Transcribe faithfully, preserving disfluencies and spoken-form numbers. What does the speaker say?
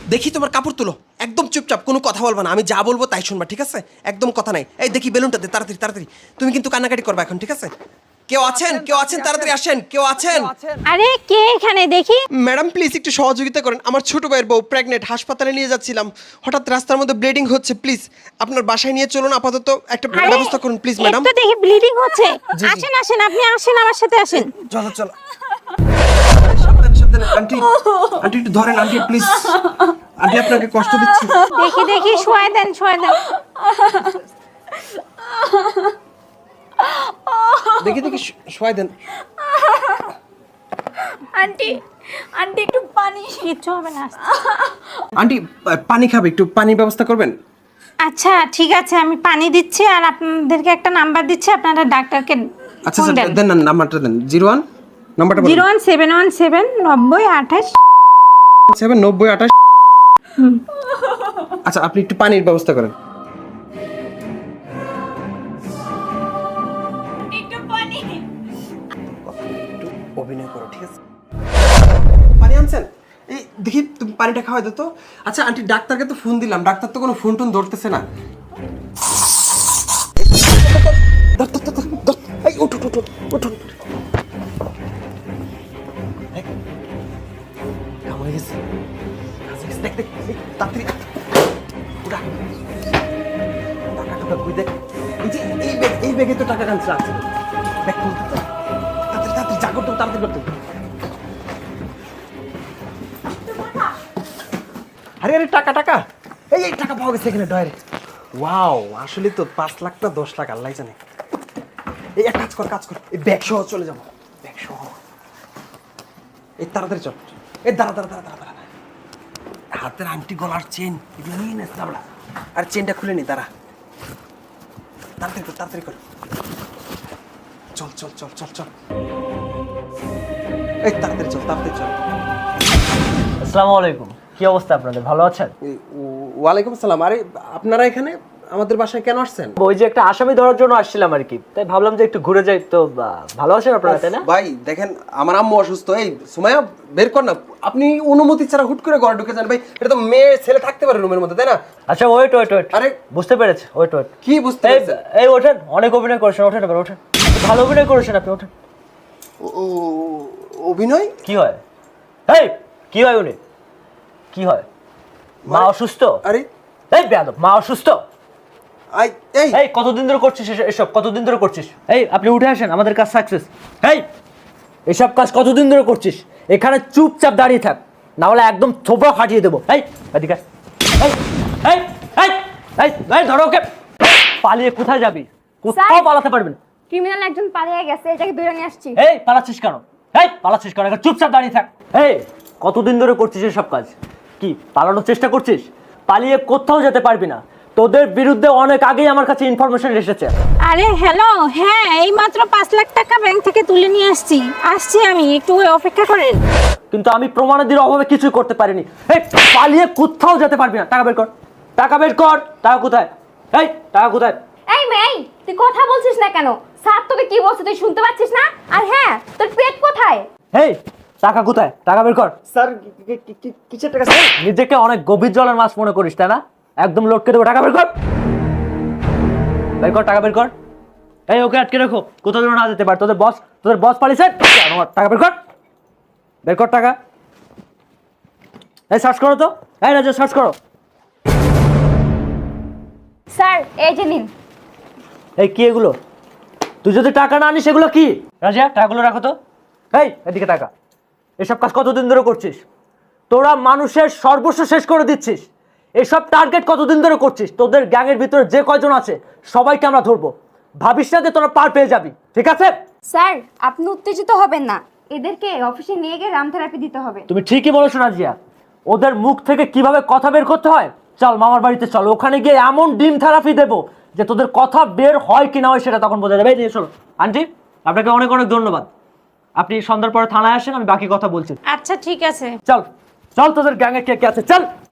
দেখি তোমার কাপড় তুলো, একদম চুপচাপ, কোনো কথা বলবা না, আমি যা বলবো তাই শুনবা, ঠিক আছে? একদম কথা নাই। এই দেখি বেলুনটা দে, তাড়াতাড়ি তাড়াতাড়ি। তুমি কিন্তু কান্নাকাটি করবা এখন, ঠিক আছে? কেউ আছেন? কেউ আছেন? তাড়াতাড়ি আসেন। কেউ আছেন? আরে কে এখানে দেখি? ম্যাডাম প্লিজ একটু সহযোগিতা করেন, আমার ছোট ভাইয়ের বউ প্রেগনেন্ট, হাসপাতালে নিয়ে যাচ্ছিলাম, হঠাৎ রাস্তার মধ্যে ব্লিডিং হচ্ছে, প্লিজ আপনার বাসায় নিয়ে চলুন, আপাতত একটা আরে, ব্যবস্থা করুন প্লিজ ম্যাডাম। একটু দেখি ব্লিডিং হচ্ছে। আসেন আসেন, আপনি আসেন, আমার সাথে আসেন। চলো চলো, সাবধানে সাবধানে। আন্টি আন্টি একটু ধরেন আন্টি প্লিজ, আন্টি আপনাকে কষ্ট দিচ্ছি। দেখি দেখি, শোয়াই দেন শোয়াই দেন। দেখি দেখি, শোয়াই দেন। আন্টি আন্টি একটু পানি। কিচ্ছু হবে না। আন্টি পানি খাবে, একটু পানির ব্যবস্থা করবেন? আচ্ছা ঠিক আছে, আমি পানি দিচ্ছি আর আপনাদেরকে একটা নাম্বার দিচ্ছি, আপনারা ডাক্তারকে আচ্ছা স্যার দেন না, নাম্বারটা দেন। জিরো ওয়ান নাম্বারটা বলুন। Zero one seven one seven নব্বই আঠাশ সেভেন নব্বই আঠাশ। আচ্ছা আপনি একটু পানির ব্যবস্থা করেন। একটু পানি। একটু অভিনয় করো, ঠিক আছে? পানি আনছেন? এই দেখি তুমি পানিটা খাওয়াই দাও তো। আচ্ছা আন্টি ডাক্তারকে তো ফোন দিলাম, ডাক্তার তো কোনো ফোন টোন ধরতেছে না। ধর, ধর, ধর, ধর, ধর। এই উঠ উঠ উঠ উঠ, উঠুন। দেখ, কামড়ে গেছে। দেখ দেখ, এই, তাড়াতাড়ি উঠা। টাকা টাকা কই দেখ। এই যে এই ব্যাগ, এই ব্যাগে তো টাকা কানছে আছে। দেখ খুলতে তো। তাড়াতাড়ি তাড়াতাড়ি যা করতে হবে, তাড়াতাড়ি করতে হবে। আরে আরে টাকা টাকা, এই এই টাকা পাওয়া গেছে এখানে ডয়ারে। ওয়াও, আসলে তো পাঁচ লাখ না দশ লাখ আল্লাহ জানে। এই এক কাজ কর কাজ কর, এই ব্যাগ সহ চলে যাবো, ব্যাগ সহ। এই তাড়াতাড়ি চল। এই দাঁড়া দাঁড়া দাঁড়া দাঁড়া দাঁড়া। হাতের আংটি, গলার চেন এগুলো নিয়ে নেস দাঁড়া। আর চেনটা খুলে নি, দাঁড়া। তাড়াতাড়ি কর তাড়াতাড়ি কর। চল চল চল চল চল। এই তাড়াতাড়ি চল তাড়াতাড়ি চল। আসসালামু আলাইকুম, কি অবস্থা আপনাদের, ভালো আছেন? এই, ও- ওয়ালাইকুম আসসালাম। আরে আপনারা এখানে আমাদের বাসায় কেন আসছেন? ওই যে একটা আসামি ধরার জন্য আসছিলাম আর কি, তাই ভাবলাম যে একটু ঘুরে যাই। তো আহ, ভালো আছেন আপনারা, তাই না? ভাই দেখেন আমার আম্মু অসুস্থ, এই সুমাইয়া বের কর না। আপনি অনুমতি ছাড়া হুট করে ঘরে ঢুকে যান ভাই, এটা তো মেয়ে ছেলে থাকতে পারে রুমের মধ্যে, তাই না? আচ্ছা ওয়েট ওয়েট ওয়েট, আরে বুঝতে পেরেছি, ওয়েট ওয়েট। কি বুঝতে এই পারছেন? এই ওঠেন, অনেক অভিনয় করেছেন, ওঠেন এবার ওঠেন, ভালো অভিনয় করেছেন আপনি, ওঠেন। ও- ও- অভিনয়? কি হয়? এই কি হয় উনি, কি হয়? মা অসুস্থ? আরে এই বেয়াদব, মা অসুস্থ? আই এই এই কতদিন ধরে করছিস এসব- এসব, কতদিন ধরে করছিস? এই আপনি উঠে আসেন, আমাদের কাজ সাকসেস। এই এসব কাজ কতদিন ধরে করছিস? এখানে চুপচাপ দাঁড়িয়ে থাক, না হলে একদম থোপড়া ফাটিয়ে দেবো। এই এদিকে আয়। এই এই এই এই এই ধরো ওকে। পালিয়ে কোথায় যাবি? কোথাও স্যার। পালাতে পারবেন? ক্রিমিনাল একজন পালিয়ে গেছে, এটাকে ধরে নিয়ে আসছি। এই পালাচ্ছিস কেন? এই পালাচ্ছিস কেন? এখানে চুপচাপ দাঁড়িয়ে থাক। এই কতদিন ধরে করছিস এসব কাজ? কি পালানোর চেষ্টা করছিস? পালিয়ে কোথাও যেতে পারবি না, তোদের বিরুদ্ধে অনেক আগেই আমার কাছে ইনফরমেশন এসেছে। আরে হ্যালো, হ্যাঁ এই মাত্র পাঁচ লাখ টাকা ব্যাংক থেকে তুলে নিয়ে আসছি আসছি আমি, একটু অপেক্ষা করেন। কিন্তু আমি প্রমাণাদির অভাবে কিছুই করতে পারিনি। এই পালিয়ে কোথাও যেতে পারবি না, টাকা বের কর, টাকা বের কর। টাকা কোথায়? এই টাকা কোথায়? এই মেয়ে, তুই কথা বলছিস না কেন? স্যার তোকে কি বলছে তুই শুনতে পাচ্ছিস না? আর হ্যাঁ, তোর পেট কোথায়? এই টাকা কোথায়? টাকা বের কর। স্যার কি- কি- কি- কিসের টাকা স্যার? নিজেকে অনেক গভীর জলের মাছ মনে করিস তাই না? একদম লটকে দেবো, টাকা বের কর, বের কর, টাকা বের কর। এই ওকে আটকে রাখো, কোথাও যেন না যেতে পারে। তোদের বস, তোদের বস পালিয়েছে, টাকা বের কর, বের কর টাকা। এই সার্চ করো তো, এই রাজা সার্চ করো। স্যার এই যে নিন। এই কি এগুলো? তুই যদি টাকা না আনিস এগুলো কি? রাজা টাকাগুলো রাখো তো। এই এদিকে টাকা। এসব কাজ কতদিন ধরে করছিস? তোরা মানুষের সর্বস্ব শেষ করে দিচ্ছিস। এসব টার্গেট কতদিন ধরে করছিস? তোদের গ্যাংয়ের ভিতরে যে কয়জন আছে সবাইকে আমরা ধরবো, ভাবিস না যে তোরা পার পেয়ে যাবি, ঠিক আছে? স্যার আপনি উত্তেজিত হবেন না, এদেরকে অফিসে নিয়ে গিয়ে রাম থেরাপি দিতে হবে। তুমি ঠিকই বলেছো নাজিয়া, ওদের মুখ থেকে কিভাবে কথা বের করতে হয়। চল মামার বাড়িতে চল, ওখানে গিয়ে এমন ডিম থেরাপি দেবো যে তোদের কথা বের হয় কি না হয় সেটা তখন বোঝা যাবে। এই নিয়ে চলো। আন্টি আপনাকে অনেক অনেক ধন্যবাদ, আপনি সন্ধ্যার পরে থানায় আসেন, আমি বাকি কথা বলছি। আচ্ছা ঠিক আছে। চল চল, তোদের গ্যাংয়ে কে কে আছে চল।